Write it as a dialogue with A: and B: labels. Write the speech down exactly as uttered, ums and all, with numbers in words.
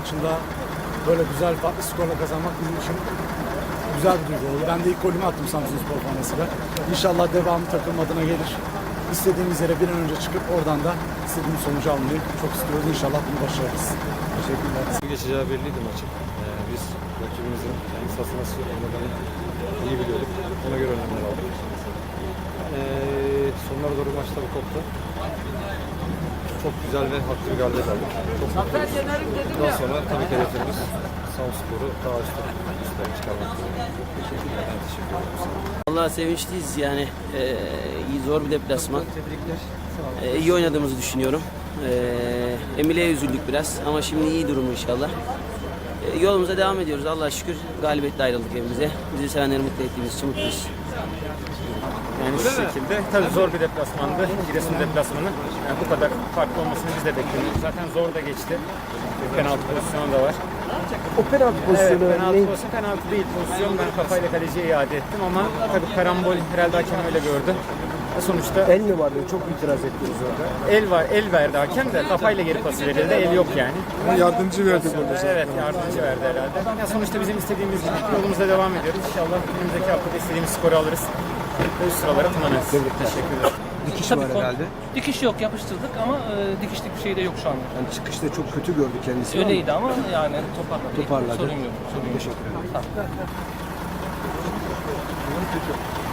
A: maçında böyle güzel farklı skorla kazanmak bizim için güzel bir duygu oldu. Ben de ilk golümü attım Samsunspor formasıyla. İnşallah devamı takım adına gelir. İstediğimiz yere bir an önce çıkıp oradan da istediğimiz sonucu almayı çok istiyoruz. İnşallah bunu başarırız. Teşekkürler.
B: Geçeceği belliydi maçın. Ee, biz rakibimizin kendi sahasına nasıl oynadığını iyi biliyorduk. Ona göre önlemler aldık. Ee, sonlara doğru maç tabii koptu. Çok güzel ve haklı bir galibiyet aldık. Çok mutluyuz. Daha sonra tabii ki hedeflerimiz Samsunspor'u daha üstte, üstlere çıkarmak. Teşekkürler. Ben teşekkür ederim.
C: Vallahi sevinçliyiz yani. Ee, iyi, zor bir deplasman. Ee, iyi oynadığımızı düşünüyorum. Ee, Emile'ye üzüldük biraz ama şimdi iyi durumu inşallah. Ee, yolumuza devam ediyoruz. Allah'a şükür galibiyetle ayrıldık evimize. Bizi sevenleri mutlu ettiğimiz için mutluyuz.
D: Yani şu şekilde tabii zor bir deplasmandı. Giresun deplasmanı. Yani bu kadar farklı olmasını biz de bekliyorduk. Zaten zor da geçti. Penaltı pozisyonu da var.
E: O penaltı pozisyonu
D: Evet, penaltı
E: ne?
D: pozisyonu penaltı değil pozisyon. Ben kafayla kaleciye iade ettim ama tabii karambol herhalde hakem öyle gördü. Sonuçta
E: El mi vardı? Çok itiraz ettiniz orada.
D: el var, el verdi hakem de kafayla geri pası verildi. El yok yani.
F: Yardımcı verdi burada zaten.
D: Evet, yardımcı verdi herhalde. Ya sonuçta bizim istediğimiz gibi yolumuza devam ediyoruz. İnşallah önümüzdeki haftada istediğimiz skoru alırız. Ve üst sıralara tırmanırız. Teşekkürler.
E: Dikiş
G: Tabii
E: var
G: kon-
E: herhalde.
G: Dikiş yok, yapıştırdık ama e, dikişlik bir şey de yok şu anda.
E: Yani çıkışta çok kötü gördü kendisi. ama
G: Öyleydi ama yani toparladı.
E: Toparladı.
G: Sorun yok. Sorun yok.
E: Teşekkür ederim.
G: Tamam.